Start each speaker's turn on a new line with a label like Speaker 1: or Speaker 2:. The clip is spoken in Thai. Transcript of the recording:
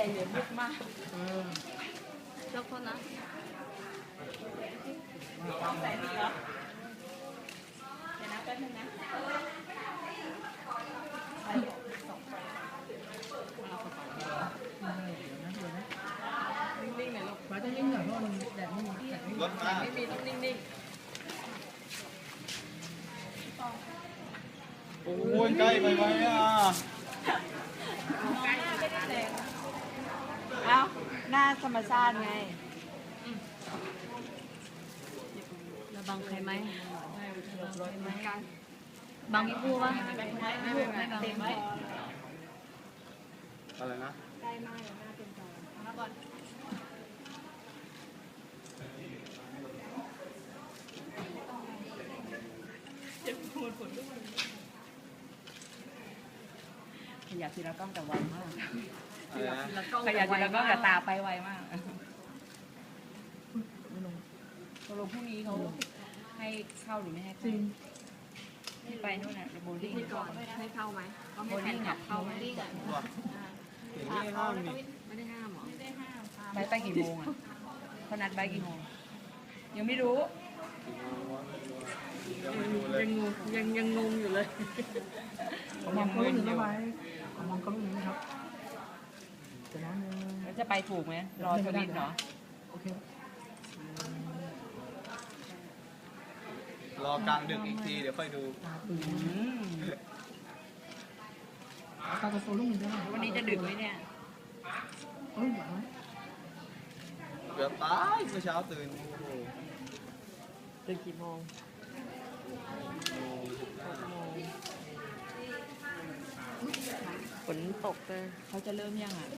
Speaker 1: เหลือมุกมาก
Speaker 2: แล้วคนนะ
Speaker 1: ใส่ดีเหรอเดี๋ยวนะแป๊บนึงนะนิ่งๆหน่อยลูก
Speaker 3: ฟ้าจะยิ่งหน่อยเพราะมันแดดไม่มีแดดไม่มี
Speaker 4: รถมา
Speaker 1: ไม่มีต้องนิ่ง
Speaker 4: โอ้ยใกล้ไปไหมอ่ะ
Speaker 1: ๆมองหน้าไม่ได้แรงเอ้าหน้าธรรมชาติไง
Speaker 2: แล้วบังใครไหม
Speaker 1: รถไหม
Speaker 2: บังพี่พูปะ
Speaker 1: ไม่บัง
Speaker 2: เต็มไว้
Speaker 4: อะไรนะ
Speaker 1: ขยับทีละกล้องแต่ไวมาก
Speaker 4: อะไรนะ
Speaker 1: ขยับทีละกล้องแต่ตาไปไวมากตกลงพรุ่งนี้เขาให้เข้าหรือไม่ให้เข้าที่ไปนู่นน่ะโบลิ่ง
Speaker 2: ก่อนให้เข้าไหมก็ให้แฟนคลับเข้าไหม
Speaker 4: ว่าเห็นไม่ห้ามนี่
Speaker 2: ไม่ได้ห้ามหรอ
Speaker 1: ไปกี่โมงอ่ะเขานัดไปกี่โมงยังไม่รู้
Speaker 4: ยังไม่ดูเลย
Speaker 2: ยังงงอยู่เลย
Speaker 3: มองกล้องหนึ่งนะไว้มองกล้องหนึ่งนะครับเดี๋ยวนะหนึ่ง
Speaker 1: แล้วจะไปถูกไหมรอทวิตเหรอ
Speaker 3: โอเค
Speaker 4: รอกลางดึกอีกทีเดี๋ยวค่อยดู
Speaker 3: ตาตื่น
Speaker 1: อืม
Speaker 3: ตาจะโซลุ่มได้ไหม
Speaker 1: วันนี้จะดึกไหมเนี่ย
Speaker 3: เอ้ยหวานไหม
Speaker 4: เกือบตายเมื่อเช้าตื่นโอ้โห
Speaker 2: ตื่นกี่โมง ฝนตกเลย
Speaker 1: เขาจะเริ่มยังอ่ะ